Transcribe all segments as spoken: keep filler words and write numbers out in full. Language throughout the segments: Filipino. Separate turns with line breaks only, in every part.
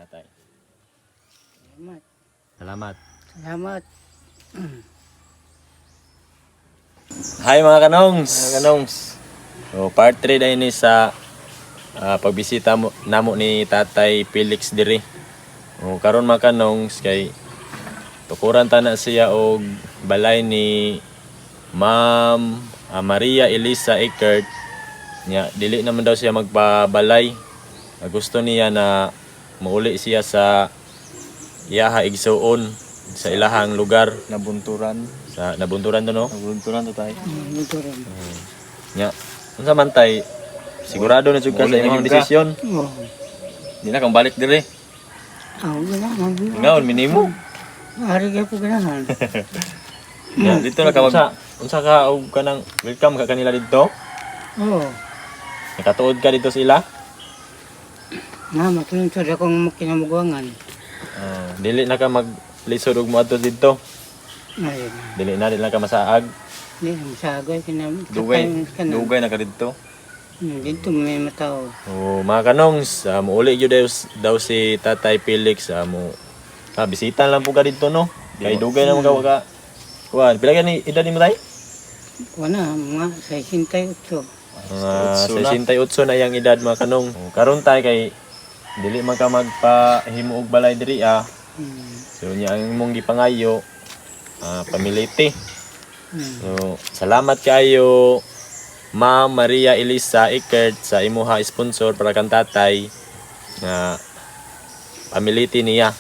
Tatay.
Salamat.
Salamat.
Salamat.
Hi mga kanongs. Mga kanongs. So, part three na ini sa uh, pagbisita mo namo ni Tatay Felix diri. O karon mga kanongs kay tukuran ta na siya og balay ni Ma'am uh, Maria Elisa Eckert. Nya dili naman daw siya magpabalay. Uh, gusto niya na mauli siya sa iyaha igsuon sa ilahang lugar
Nabunturan.
sa nabunturan to no.
Nabunturan to tayo.
Muturan.
Nya unsa man tay sigurado na jud ka sa
Mauli na
imong
jud ka.
desisyon.
Oh.
Di na kang balik diri.
Ako ganahan.
Ngaon minimo.
Hari ka po ganahan.
Nya dito na ka mag unsa ka og kanang welcome ka kanila dito.
Oo.
Nakatuod ka dito sila.
Na, matulungsod akong kinamuguangan.
Uh, dili na ka maglisod og moadto dito.
Ayun.
Dili na dili na ka masaag.
Hindi, masagay. Kinam...
Dugay,
Kanam.
dugay na ka dito.
Hmm, dito may matao.
Oh, mga kanongs, uh, muuli gyud daw, daw si Tatay Felix uh, mo. Ah, bisita lang po ka dito no. Kay dugay na mo ka ka. Kuan, pila ka ni edad nimo tay?
Wala, mga sesentayotso.
Mga sesentayotso na yang edad mga kanong. Oh, karon tay kay dili man ka magpahimo og balay diri ah.
Hmm.
So nya ang imong gipangayo ah, pamiliti.
Hmm.
So salamat kayo Ma'am Maria Elisa Eckert sa imuha sponsor para kang tatay nga pamiliti niya.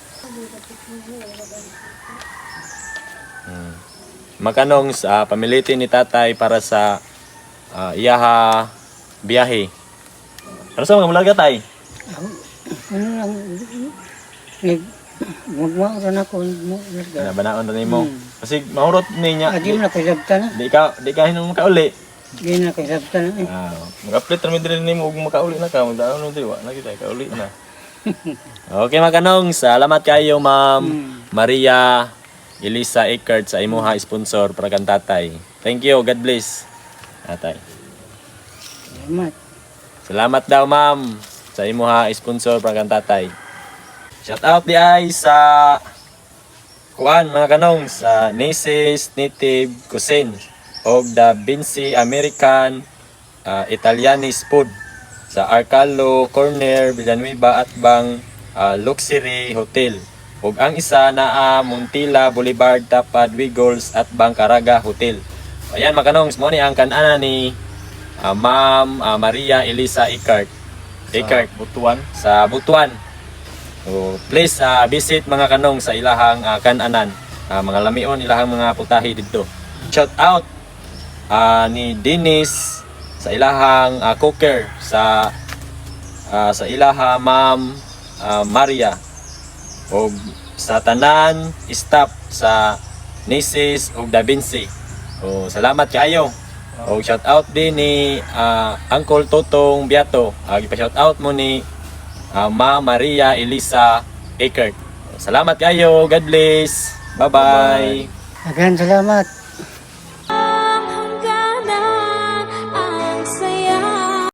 Hmm. Makanong sa pamiliti ni tatay para sa ah, iyaha biyahe. Ano sa mga mulaga tay?
Ako, ano lang, nag... Magmao rin ako.
Nabanaon rin mo.
Hmm.
Kasi mahurot niya.
Adi mo na kaisabta na.
Di ka di ka hinong makauli.
Di na kaisabta na eh.
Ah, mag-update ra din nimo ug makauli na ka, magdaon no diwa, na kita kauli na. Okay mga kanong, salamat kayo Ma'am
Hmm.
Maria Elisa Eckert sa imuha sponsor para kang tatay. Thank you, God bless. Tatay.
Salamat.
Salamat daw Ma'am sa imuha sponsor para kang tatay. Shout out di ay sa kuan mga kanong sa Naces Native Cuisine og the Vinci American uh, Italianese Food sa Arcalo Corner Villanueva at bang uh, Luxury Hotel ug ang isa naa Montilla Boulevard Tapad Wiggles at bang Caraga Hotel. Ayan mga kanong mo ni ang kanana ni uh, Ma'am uh, Maria Elisa Eckert Eckert
Butuan.
sa Butuan. So, please uh, visit mga kanong sa ilahang uh, kananan. Uh, mga lamion ilahang mga putahe dito. Shout out uh, ni Dennis sa ilahang uh, cooker sa uh, sa ilaha Ma'am uh, Maria o sa tanan staff sa Naces ug Da Vinci. So, salamat kayo. O shout out din ni uh, Uncle Totong Biato. Uh, gipa-shout out mo ni Uh, Ma Maria Elisa Eckert. Salamat kayo. God bless. Bye-bye.
Agan salamat.